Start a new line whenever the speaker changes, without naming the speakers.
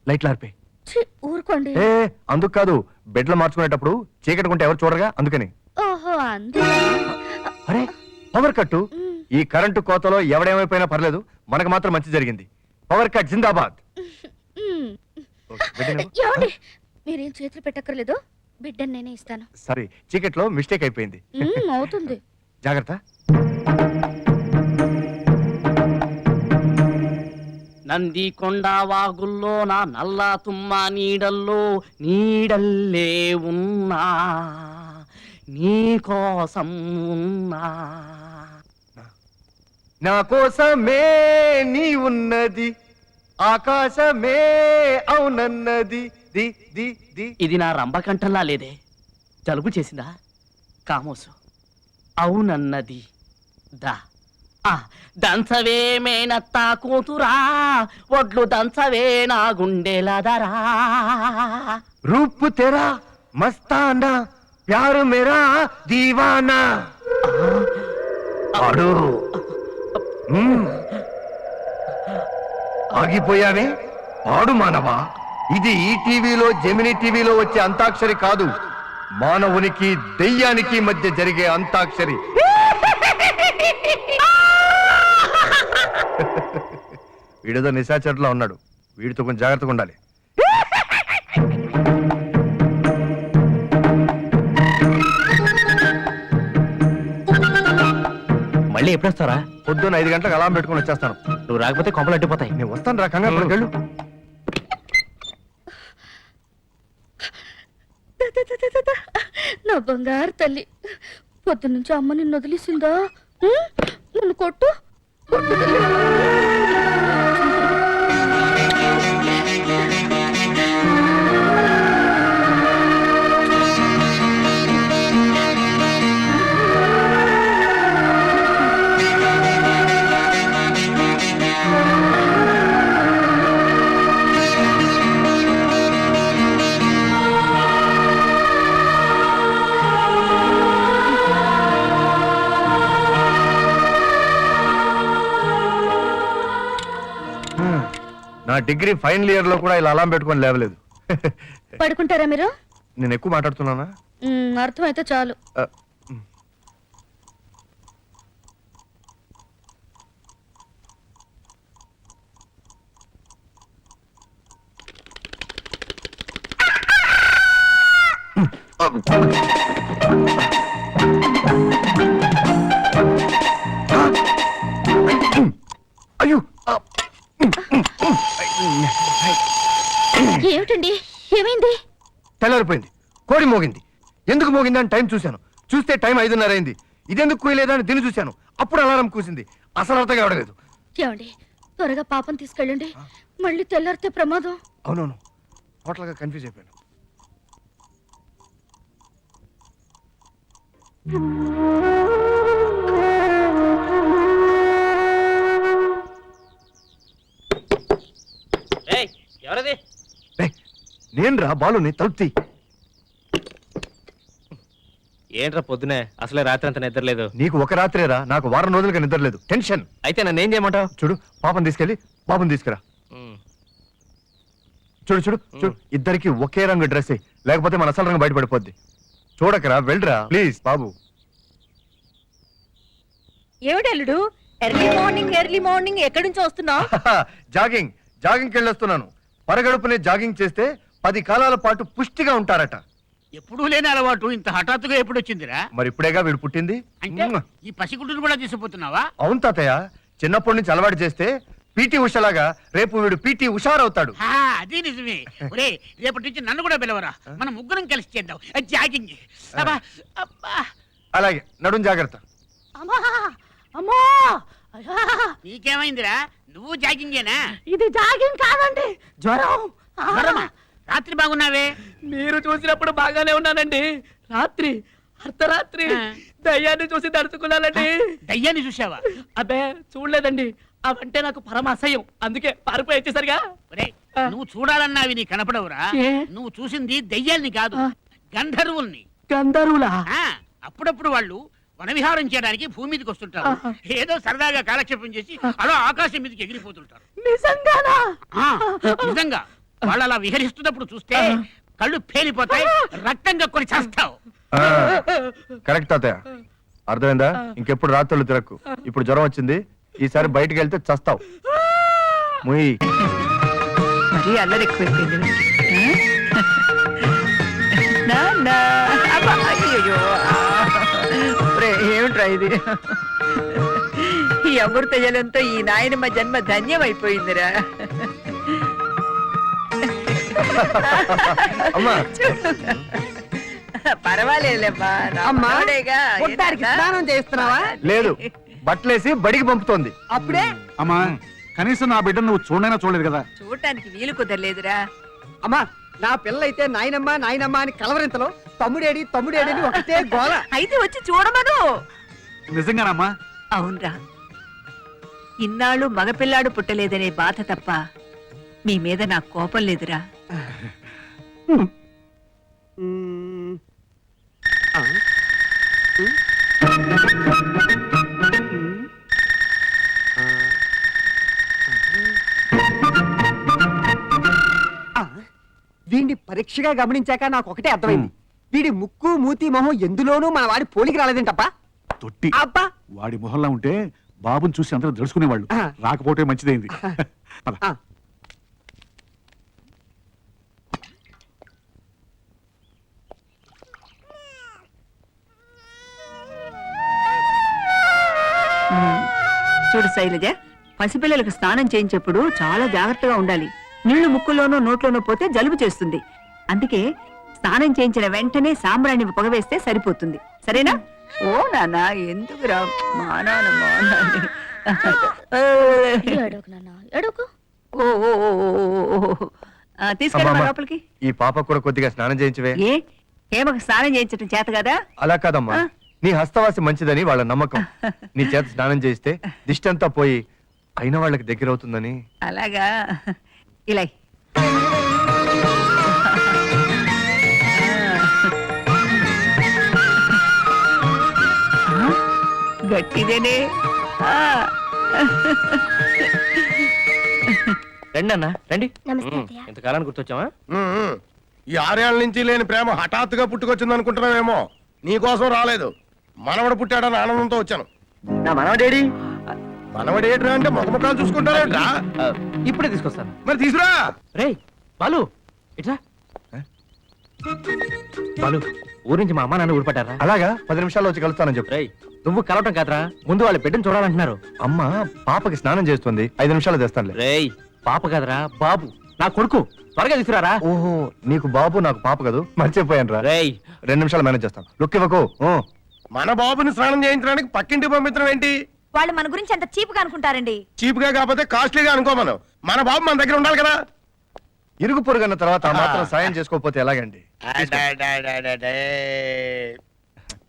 లైట్లు ఆర్పే.
ఊరుకోండి.
అందుకు కాదు, బెడ్లో మార్చుకునేటప్పుడు చీకటి ఎవరు చూడగా అందుకని.
ఓహో
అరే పవర్ కట్టు. ఈ కరెంటు కోతలో ఎవడేమైపోయినా పర్లేదు, మనకు మాత్రం మంచి జరిగింది. పవర్ కట్ జిందాబాద్.
మీరేం చేతులు పెట్టక్కర్లేదు, బిడ్డని నేనే ఇస్తాను.
సరే, చీకట్లో మిస్టేక్ అయిపోయింది.
అవుతుంది,
జాగ్రత్త.
నంది కొండ వాగుల్లో నా నల్ల తుమ్మ నీడల్లే ఉన్నా, నీ కోసం ఉన్నా.
నా కోసమే నీ ఉన్నది, ఆకాశమే అవునన్నది. The the the.
ఇది నా రంభకంఠంలా లేదే, జలుబు చేసిందా? కామోసు అవునన్నది. దా దంచవే మేనత్తా కూతురా, ఒడ్లు దంచవే నా గుండెలదరా.
రూపు తెరా మస్తానా, ప్యారు మేరా దీవానా. ఆగిపోయావే, పాడు మానవా. ఇది ఈ టీవీలో, జెమిని టీవీలో వచ్చే అంతాక్షరి కాదు, మానవునికి దెయ్యానికి మధ్య జరిగే అంతాక్షరి. వీడితో నిశాచరులా ఉన్నాడు, వీడితో కొంచెం జాగ్రత్తగా ఉండాలి.
మళ్ళీ ఎప్పుడు వస్తారా?
పొద్దున్న 5 గంటలకు అలారం పెట్టుకుని వచ్చేస్తాను.
నువ్వు రాకపోతే కొంపలు అడ్డిపోతాయి.
నేను వస్తాను రా, కంగారు వెళ్ళు.
నా బంగారు తల్లి, పొద్దున్నుంచి అమ్మ నిన్ను వదిలేసిందా? నన్ను కొట్టు.
నా డిగ్రీ ఫైనల్ ఇయర్ లో కూడా ఇలా అలారం పెట్టుకొని లేవలేదు.
పడుకుంటారా మీరు?
నేను ఎక్కువ మాట్లాడుతున్నానా?
అర్థమైతే చాలు.
అయ్యో,
ఏమిటండి, ఏమైంది?
తెల్లారిపోయింది, కోడి మోగింది. ఎందుకు మోగింది అని టైం చూశాను, చూస్తే టైం 5:30 అయింది. ఇదెందుకు కూయలేదా అని దీన్ని చూశాను, అప్పుడు అలారం కూసింది. అసలు అర్థం కావడలేదు.
ఏమండి, త్వరగా పాపం తీసుకెళ్ళండి, మళ్ళీ తెల్లారితే ప్రమాదం.
అవునవును, టోటల్గా కన్ఫ్యూజ్ అయిపోయాను.
ఎవరది?
నేను రా బాలుని, తలుపుతీ.
ఏంట్రా పొద్దునే, అసలే రాత్రి అంత నిద్రలేదు.
నీకు ఒక రాత్రేరా, నాకు వారం రోజులుగా నిద్రలేదు. టెన్షన్.
అయితే నన్ను ఏం చేయమంటావు?
చూడు, పాపం తీసుకెళ్ళి బాబుని తీసుకురా. చూడు చూడు చూడు, ఇద్దరికి ఒకే రంగు డ్రెస్, లేకపోతే మన అసలు రంగు బయటపడిపోద్ది. చూడకరా, వెళ్ళరా ప్లీజ్ బాబు.
ఏమిటల్లుడు, ఎర్లీ మార్నింగ్ ఎక్కడి నుంచి వస్తున్నావు?
జాగింగ్కి వెళ్ళొస్తున్నాను. పరగడుపునే జాగింగ్ చేస్తే 10 కాలాల పాటు పుష్టిగా ఉంటారట.
ఎప్పుడూ లేని అలవాటు ఇంత హఠాత్తుగా ఎప్పుడు వచ్చిందిరా?
మరి ఇప్పుడేగా వీడు పుట్టింది.
అంటే ఈ పసిగుడ్డును కూడా తీసుకుపోతున్నావా?
అవును తాతయ్య, చిన్నప్పటి నుంచి అలవాటు చేస్తే పీటీ ఉషలాగా రేపు వీడు పీటీ ఉషారవుతాడు.
అది నిజమే. ఒరే, రేపటి నుంచి నన్ను కూడా పిలవరా, మనం ముగ్గురం కలిసి చేద్దాం జాగింగ్.
అలాగే, నడుం జాగ్రత్త.
అమ్మా,
నీకేమైందిరా? నువ్వు జాగింగేనా?
ఇది జాగింగ్ కాదండి, జ్వరం.
జ్వరమా? రాత్రి బాగున్నావే?
మీరు చూసినప్పుడు బాగానే ఉన్నానండి. రాత్రి అర్ధరాత్రి దయ్యాన్ని చూసి తడుచుకున్నానండి.
దయ్యాన్ని చూసావా?
అబ్బే చూడలేదండి, అవంటే నాకు పరమ అసహ్యం, అందుకే పారిపోయి వచ్చేసరిగా.
నువ్వు చూడాలన్నావి నీ కనపడవురా. నువ్వు చూసింది దయ్యాల్ని కాదు, గంధర్వుల్ని.
గంధర్వులా?
అప్పుడప్పుడు వాళ్ళు వనవిహారం చేయడానికి భూమి మీదకి వస్తుంటారు. ఏదో సరదాగా కాలక్షేపం చేసి అలా ఆకాశం మీదకి ఎగిరిపోతుంటారు.
నిజంగానా?
నిజంగా వాళ్ళు అలా విహరిస్తున్నప్పుడు చూస్తే కళ్ళు పేలిపోతాయి, రక్తం కక్కుని చేస్తావు.
ఆ, కరెక్ట్ తాతయ్య, అర్థమైందా? ఇంకెప్పుడు రాత్రులు తిరక్కు. ఇప్పుడు జ్వరం వచ్చింది, ఈసారి బయటికి వెళ్తే చస్తావు. ముయ్.
మరీ అల్లరి ఎక్కువైపోయింది వీడికి. నాన్నా. అబ్బా, అయ్యయ్యో. ఏమిట్రా ఇది? ఈ అమృత జలంతో ఈ నాయనమ్మ జన్మ ధన్యమైపోయిందిరా.
అమ్మా
పర్వాలేదమ్మా,
అమ్మా, పుట్టానికి స్నానం చేస్తున్నావా?
లేదు, బట్టలేసి బడికి పంపుతోంది.
అప్పుడే
అమ్మా కనీసం నా బిడ్డ నువ్వు చూడైనా చూడలేదు కదా.
చూడటానికి వీలు కుదరలేదురా.
అమ్మా, నా పిల్లయితే నాయనమ్మ నాయనమ్మ అని కలవరింతలో తమ్ముడేడి తమ్ముడేడి అని ఒకటే గోల.
అయితే వచ్చి చూడమను.
నిజంగానమ్మా?
అవునరా, ఇన్నాళ్ళు మగపిల్లాడు పుట్టలేదనే బాధ తప్ప మీ మీద నాకు కోపం లేదురా.
మ్మ్. ఆ. ఆ. వీడిని పరీక్షగా గమనించాక నాకు ఒకటే అర్థమైంది. వీడి ముక్కు మూతి మొహం ఎందులోనూ మన వాడి పోలికి రాలేదేంటప్పా.
తొట్టి
అబ్బా,
వాడి మొహంలా ఉంటే బాబుని చూసి అందరూ తెలుసుకునేవాళ్ళు.
ఆ.
రాకపోతే మంచిదైంది. పద.
ఆ.
చూడు శైలజ, పసిపిల్లలకు స్నానం చేయించేప్పుడు చాలా జాగ్రత్తగా ఉండాలి. నీళ్లు ముక్కులోనో నోట్లోనో పోతే జలుబు చేస్తుంది. అందుకే స్నానం చేయించిన వెంటనే సాంబ్రాణి పొగవేస్తే సరిపోతుంది. సరేనా? ఓ నాన్న, ఎందుకురా మానాన మానాన్ని.
ఎడోకు నాన్న, ఎడోకు.
ఓ ఓ ఓ ఓ ఓ ఓ. తీసుకెళ్ళి
అమ్మా,
లోపలికి.
ఈ పాప కూడా కొద్దిగా స్నానం చేయించవే.
ఏ హేమకు స్నానం చేయించడం చేత కదా?
అలా కాదమ్మా, నీ హస్తవాసి మంచిదని వాళ్ళ నమ్మకం. నీ చేత స్నానం చేస్తే దిష్టంతా పోయి అయిన వాళ్ళకి దగ్గర అవుతుందని.
అలాగా, ఇలా ఇ. గట్టిదేనే.
రండి అన్న, రండి.
నమస్తే అత్తయ్య.
ఇంతకాలానికి గుర్తొచ్చావా?
ఈ 6 ఏళ్ల నుంచి లేని ప్రేమ హఠాత్తుగా పుట్టుకొచ్చింది అనుకుంటున్నావేమో. నీకోసం రాలేదు, మనవడు పుట్టాడని ఆనందంతో వచ్చాను.
నా మనవడేడి?
మనవడేట్రా అంటే ముఖముఖాలు చూసుకుంటారేట్రా?
ఇప్పుడే తీసుకొస్తాను.
మరి తీసురా.
రేయ్ బాలు, ఇట్రా. బాలు, ఊరి నుంచి మా అమ్మ నాన్న ఊడిపడ్డారా?
అలాగా, 10 నిమిషాల్లో వచ్చి కలుస్తానని చెప్పు.
రేయ్, నువ్వు కలవటం కాదురా, ముందు వాళ్ళ బిడ్డను చూడాలంటున్నారు.
అమ్మ పాపకి స్నానం చేస్తుంది, 5 నిమిషాలు తెస్తానులే.
రేయ్, పాప కాదురా బాబు, నా కొడుకు. త్వరగా తీసుకురారా.
ఓహో, నీకు బాబు నాకు పాప కదూ, మర్చిపోయాను రా.
రేయ్,
2 నిమిషాలు మేనేజ్ చేస్తాను. లుక్ ఇవ్వకు.
మన బాబుని స్నానం చేయించడానికి పక్కింటికి పంపించడం ఏంటి?
వాళ్ళు మన గురించి అంత చీప్ గా అనుకుంటారండి.
చీప్ గా కాకపోతే కాస్ట్లీగా అనుకోమను. మన బాబు మన దగ్గర ఉండాలి కదా.
ఇరుగు పొరుగన్న తర్వాత ఆ మాత్రం సాయం చేసుకోకపోతే ఎలాగండి?